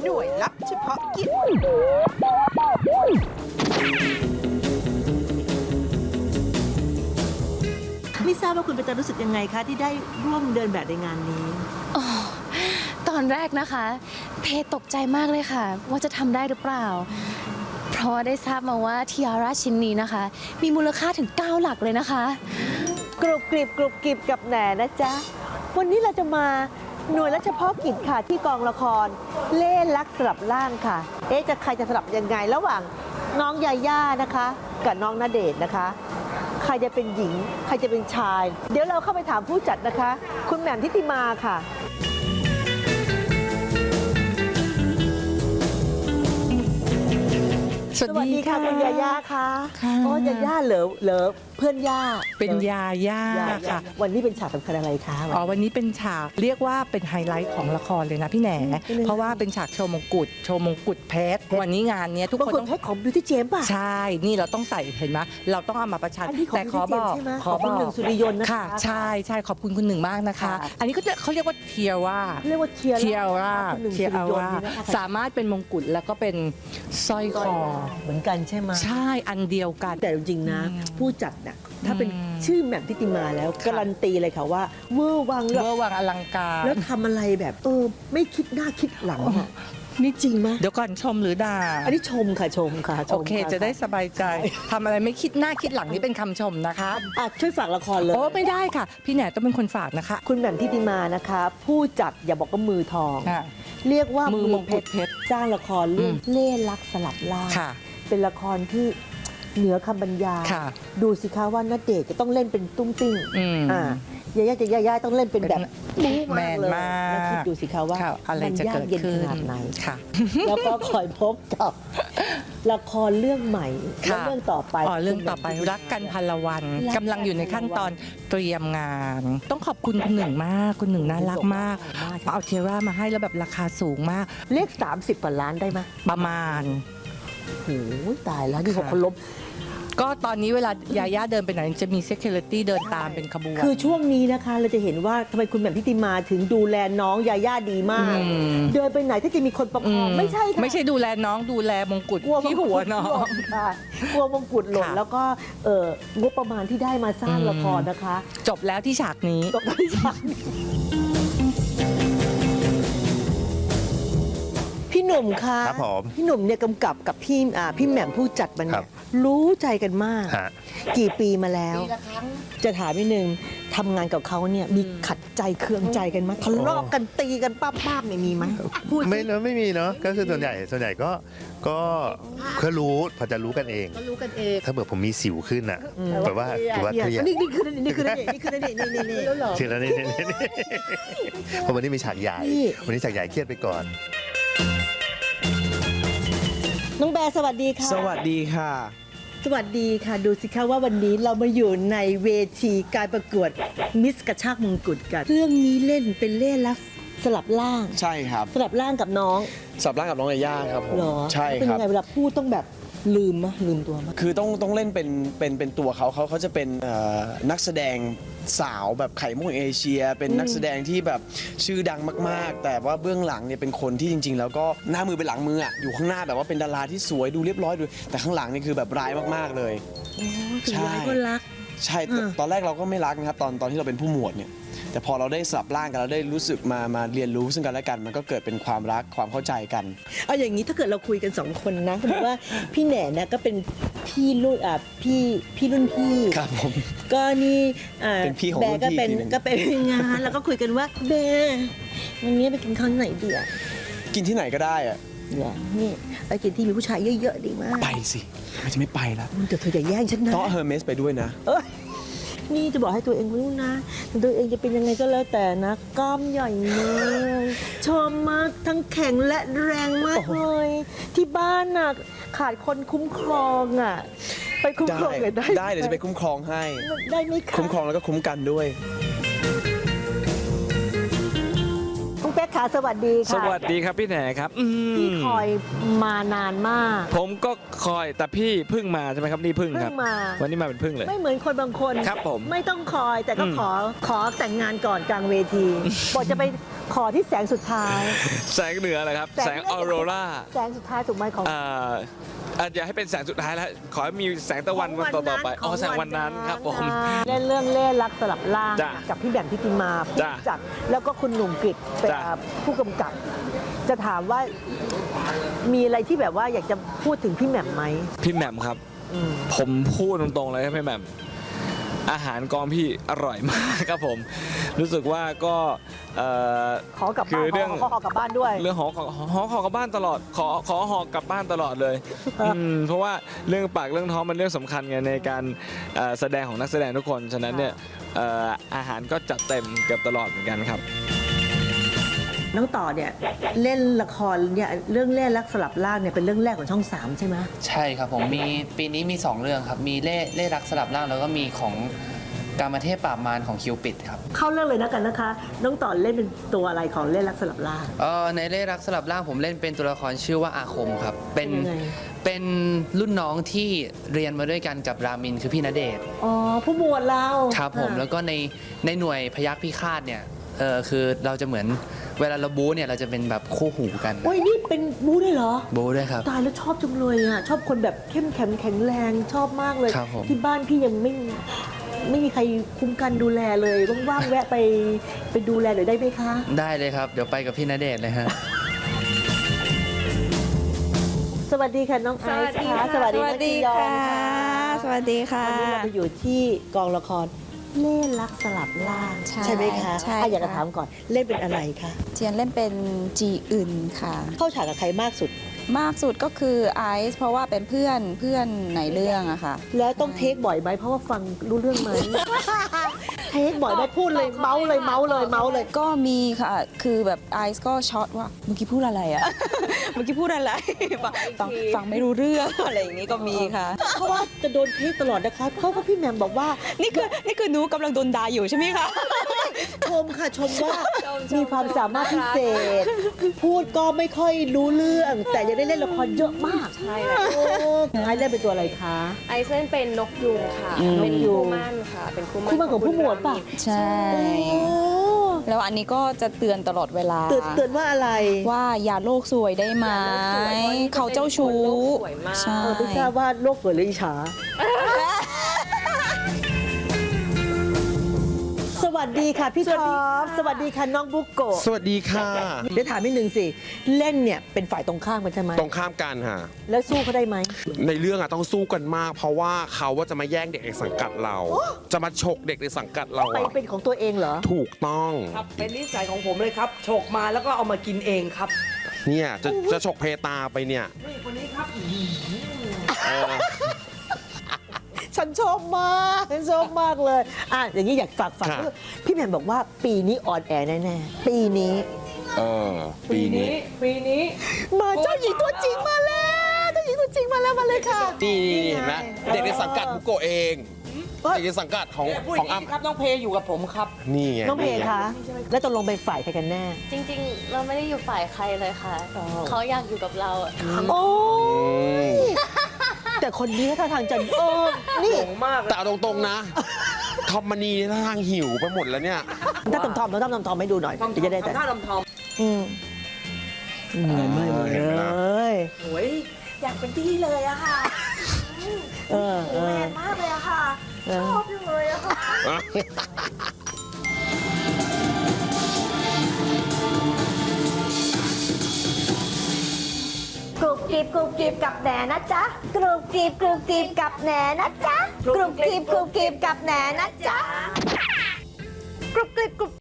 หน่วยลับเฉพาะกิจไม่ทราบว่าคุณเป็นตารู้สึกยังไงคะที่ได้ร่วมเดินแบบในงานนี้ตอนแรกนะคะเพตกใจมากเลยค่ะว่าจะทำได้หรือเปล่าเพราะได้ทราบมาว่าทิอาร่าชิ้นนี้นะคะมีมูลค่าถึง9 หลักเลยนะคะกรุบกริบกับแหนนะจ๊ะวันนี้เราจะมาหน่วยและเฉพาะกิจค่ะที่กองละครเล่ห์ลักสลับร่างค่ะใครจะสลับยังไงระหว่างน้องยาย่านะคะกับน้องณเดชน์นะคะใครจะเป็นหญิงใครจะเป็นชายเดี๋ยวเราเข้าไปถามผู้จัดนะคะคุณแหม่มทิติมาค่ะสวัสดีค่ะคุณยาย่าค่ะอ๋อยาย่าเหรอเพื่อนย่าเป็นยาย่าค่ะวันนี้เป็นฉากสำคัญอะไรคะวันนี้เป็นฉากเรียกว่าเป็นไฮไลท์ของละครเลยนะพี่แหนเพราะว่าเป็นฉากโชว์มงกุฎเพชรวันนี้งานนี้ทุกคนต้องเพชรของบิวตี้เจมส์ป่ะใช่นี่เราต้องใส่เห็นไหมเราต้องเอามาประชันแต่ขอบอกคุณหนึ่งสุริยนต์นะคะค่ะใช่ขอบคุณคุณหนึ่งมากนะคะอันนี้เขาเรียกว่าเทียร่าสามารถเป็นมงกุฎแล้วก็เป็นสร้อยคอเหมือนกันใช่ไหมใช่อันเดียวกันแต่จริงๆนะผู้จัดน่ะถ้าเป็นชื่อแหม่มทิติมาแล้วการันตีเลยค่ะว่าเวอร์วังอลังการแล้วทำอะไรแบบไม่คิดหน้าคิดหลังนี่จริงไหมเดี๋ยวก่อนชมหรือด่าอันนี้ชมค่ะโอเคจะได้สบายใจทำอะไรไม่คิดหน้าคิดหลังนี่เป็นคำชมนะคะช่วยฝากละครเลยไม่ได้ค่ะพี่แหนต้องเป็นคนฝากนะคะคุณแหม่มทิติมานะคะผู้จัดอย่าบอกว่ามือทองเรียกว่ามือมงกุฎเพชรสร้างละครเรื่องเล่ห์ลักสลับล่างเป็นละครที่เหนือคำบรรยายดูสิคะว่าณเดชน์จะต้องเล่นเป็นตุ้งติ้งยาย่าต้องเล่นเป็นแบบแมนมากแล้วคิดดูสิคะว่าอะไรจะเกิดขึ้นขนาดไหนค่ะแล้วก็คอยพบกับละครเรื่องใหม่และเรื่องต่อไปเรื่องต่อไปรักกันพันละวันกำลังอยู่ในขั้นตอนเตรียมงานต้องขอบคุณคุณหนึ่งมากคุณหนึ่งน่ารักมากเอาเทรามาให้แล้วแบบราคาสูงมากเลข30 กว่าล้านได้ไหมประมาณโอ้ยตายแล้วนี่เขาล้มก็ตอนนี้เวลายาย่าเดินไปไหนจะมี security เดินตามเป็นขบวนคือช่วงนี้นะคะเราจะเห็นว่าทำไมคุณแหม่มทิติมาถึงดูแลน้องยาย่าดีมากเดินไปไหนถ้าจะมีคนประคองไม่ใช่ค่ะไม่ใช่ดูแลน้องดูแลมงกุฎที่หัวน้องกลัวมงกุฎหล่นแล้วก็งบประมาณที่ได้มาสร้างละครนะคะจบแล้วที่ฉากนี้พี่หนุ่มคะพี่หนุ่มเนี่ยกำกับกับพี่แหม่มผู้จัดมันเนี่ยรู้ใจกันมากกี่ปีมาแล้วจะถามนิดนึงทำงานกับเขาเนี่ยมีขัดใจเคืองใจกันไหมทะเลาะกันตีกันป้าบเนี่ยมีไหมไม่มีเนาะก็คือส่วนใหญ่ก็รู้พอจะรู้กันเองถ้าเกิดผมมีสิวขึ้นอ่ะแบบว่าเครียดนี่คือนี่ทีละนี่เพราะวันนี้มีฉากใหญ่วันนี้ฉากใหญ่เครียดไปก่อนน้องแบร์สวัสดีค่ะสวัสดีค่ะสวัสดีค่ะดูสิคะว่าวันนี้เรามาอยู่ในเวทีการประกวดมิสกระชากมงกุฎกันเรื่องนี้เล่นเป็นเล่ห์ลักสลับร่างใช่ครับสลับร่างกับน้องสลับร่างกับน้องยาย่าครับผมใช่ครับเป็นยังไงเวลาพูดต้องแบบลืมตัวมั้ยคือต้องเล่นเป็นตัวเขาจะเป็นนักแสดงสาวแบบไข่มุกเอเชียเป็นนักแสดงที่แบบชื่อดังมากๆแต่ว่าเบื้องหลังเนี่ยเป็นคนที่จริงๆแล้วก็หน้ามือเป็นหลังมืออ่ะอยู่ข้างหน้าแบบว่าเป็นดาราที่สวยดูเรียบร้อยดูแต่ข้างหลังนี่คือแบบร้ายมากๆเลยใช่ก็รักใช่ตอนแรกเราก็ไม่รักนะครับตอนที่เราเป็นผู้หมวดเนี่ยแต่พอเราได้สลับร่างกันเราได้รู้สึกมาเรียนรู้ซึ่งกันและกันมันก็เกิดเป็นความรักความเข้าใจกันเอาอย่างนี้ถ้าเกิดเราคุยกัน2 คนนะคือว่าพี่แหน่นะก็เป็นพี่รุ่นพี่รุ่นพี่ครับผมก็นี่เป็นพี่ของรุ่นพี่ก็เป็นงานแล้วก็คุยกันว่าแบวันนี้ไปกินข้าวไหนดีอ่ะกินที่ไหนก็ได้อ่ะนี่ไปกินที่มีผู้ชายเยอะๆดีมากไปสิเราจะไม่ไปแล้วแต่เธออย่าแย่งฉันนะต้องเฮอร์เมสไปด้วยนะนี่จะบอกให้ตัวเองรู้นะตัวเองจะเป็นยังไงก็แล้วแต่นะกล้ามใหญ่มากชอบมากทั้งแข็งและแรงมากเลยที่บ้านน่ะขาดคนคุ้มครองอ่ะไปคุ้มครองได้เดี๋ยวจะไปคุ้มครองให้ได้ไหมคะคุ้มครองแล้วก็คุ้มกันด้วยคุณเป๊กขาสวัสดีค่ะสวัสดีครับพี่แหนครับพี่คอยมานานมากผมก็คอยแต่พี่เพิ่งมาใช่ไหมครับนี่เพิ่งครับวันนี้มาเป็นเพิ่งเลยไม่เหมือนคนบางคนครับผมไม่ต้องคอยแต่ก็ขอแต่งงานก่อนกลางเวทีบอกจะไปขอที่แสงสุดท้ายแสงเหนือเลยครับ แสงออโรราแสงสุดท้ายถูกไหมของอย่าให้เป็นแสงสุดท้ายแล้ว ขอให้มีแสงตะวันวันต่อๆไปอ๋อแสงวันนั้นครับผมเล่นเรื่องเล่รักสลับล่างจ้ะกับพี่แบมพิติมาผู้จ้ะจัดแล้วก็คุณหนุ่มกฤษเป็นจ้ะผู้กำกับ จะถามว่ามีอะไรที่แบบว่าอยากจะพูดถึงพี่แหม่มไหมพี่แหม่มครับอืมผมพูดตรงๆเลยครับพี่แหม่มอาหารกองพี่อร่อยมากครับผม รู้สึกว่าก็ขอกลับคืบ้านอเรื่องขอกลับบ้านด้วยเรื่องหอกลับบ้านตลอด ขอหอกลับบ้านตลอดเลยเพราะว่าเรื่องปากเรื่องท้องมันเรื่องสำคัญไงในการแสดงของนักแสดงทุกคนฉะนั้นเนี่ยอาหารก็จัดเต็มเกือบตลอดเหมือนกันครับน้องต่อเนี่ยเล่นละครเนี่ยเรื่องเล่รักสลับล่างเนี่ยเป็นเรื่องแรกของช่อง 3 ใช่ไหมใช่ครับผมมีปีนี้มี 2 เรื่องครับ มีเล่รักสลับร่างแล้วก็มีของกามเทพปราบมารของคิวปิดครับเข้าเรื่องเลยนะกันนะคะ น้องต่อเล่นเป็นตัวอะไรของเล่รักสลับล่างในเล่รักสลับร่างผมเล่นเป็นตัวละครชื่อว่าอาคมครับเป็นยังไงเป็นรุ่นน้องที่เรียนมาด้วยกันกับรามินคือพี่ณเดชน์อ๋อผู้หมวดเราครับผมแล้วก็ในหน่วยพยัคฆ์พิฆาตเนี่ยคือเราจะเหมือนเวลาเราบู๊เนี่ยเราจะเป็นแบบคู่หูกันโอ้ยนี่เป็นบู๊ด้วยเหรอบู๊ด้วยครับตายแล้วชอบจังเลยอ่ะชอบคนแบบเข้มแข็งแข็งแรงชอบมากเลยครับผมที่บ้านพี่ยังไม่มีใครคุ้มกันดูแลเลยว่างๆแวะไปดูแลหน่อยได้ไหมคะได้เลยครับ เดี๋ยวไปกับพี่ณเดชน์เลยฮะสวัสดีค่ะน้องไอซ์ค่ะสวัสดีน้องจียอนค่ะสวัสดีค่ะวันนี้เราไปอยู่ที่กองละครเล่รักสลับล่างใช่ไหมคะใช่อยากจะค่ะถามก่อนเล่นเป็นอะไรคะเจียนเล่นเป็นจีอึนค่ะเข้าฉากกับใครมากสุดมากสุดก็คือไอซ์เพราะว่าเป็นเพื่อนในเรื่องอะค่ะแล้วต้องเทคบ่อยไหมเพราะว่าฟังรู้เรื่องไหม เทคบ่อยไหมพูดเลยเมาส์เลยก็มีค่ะ คือแบบไอซ์ก็ช็อตว่าเมื่อกี้พูดอะไรอะ เมื่อกี้พูดอะไร ฟังไม่รู้เรื่องอะไรอย่างนี้ก็มีค่ะเพราะว่าจะโดนเทคตลอดนะคะเพราะว่าพี่แหม่มบอกว่านี่คือหนูกำลังโดนด่าอยู่ใช่ไหมคะชมค่ะชมว่ามีความสามารถพิเศษ พูดก็ไม่ค่อยรู้เรื่อง แต่ยังได้เล่นละครเยอะมากใช่ค่ะโอ้ไอซ์เล่นเป็นตัวอะไรคะไอซ์เล่นเป็นนกยูงค่ะ เป็นคู่หมั่นค่ะ เป็นคู่หมั่นคู่หมั่นของผู้หมวดป่ะใช่ แล้วอันนี้ก็จะเตือนตลอดเวลาเตือนว่าอะไรว่าอย่าโลกสวยได้ไหม เขาเจ้าชู้สวยมากใช่ไม่ทราบว่าโลกสวยหรืออิจฉา สวัสดีค่ะพี่ท็อปสวัสดีค่ะน้องบุกโกะสวัสดีค่ะเดี๋ยวถามนิดนึงสิ เล่นเนี่ยเป็นฝ่ายตรงข้ามกันใช่ไหมตรงข้ามกันค่ะแล้วสู้เขาได้ไหมในเรื่องอะต้องสู้กันมาก เพราะว่าเขาว่าจะมาแย่งเด็กในสังกัดเรา จะมาฉกเด็กในสังกัดเราไปอะเป็นของตัวเองเหรอถูกต้องครับเป็นนิสัยของผมเลยครับฉกมาแล้วก็เอามากินเองครับเนี่ยจะฉกเพตาไปเนี่ยนี่คนนี้ครับเออฉันชอบมากเลยอ่ะอย่างนี้อยากฝากค่ะพี่แหม่มบอกว่าปีนี้ออนแอร์แน่ๆ ปีนี้เออ ปีนี้มาเจ้าหญิงตัวจริงมาแล้วเจ้าหญิงตัวจริงมาแล้วมาเลยค่ะนี่เห็นไหมเด็กในสังกัดบุโกะเอง เด็กในสังกัดของอ้ำครับน้องเพอยู่กับผมครับนี่ไงน้องเพคะ แล้วตกลงเป็นฝ่ายใครกันแน่จริงๆ เราไม่ได้อยู่ฝ่ายใครเลยค่ะอ๋อเขาอยากอยู่กับเราอะโอ้อืมแต่คนนี้ท่าทางจะนี่แต่เอาตรงๆนะ ทอมมานีนี่ท่าทางหิวไปหมดแล้วเนี่ยถ้าทอมให้ดูหน่อยเดี๋ยวจะได้แต่ทำท่าทำทอมอืมเหมือนเลยเห็นไหมล่ะโอ้ยอยากเป็นพี่เลยอะค่ะเออแมนมากเลยอะค่ะ ชอบจังเลยอะค่ะกรุบกริบกับแหนนะจ๊ะกรุบกริบกับแหนนะจ๊ะกรุบกริบกับแหนนะจ๊ะ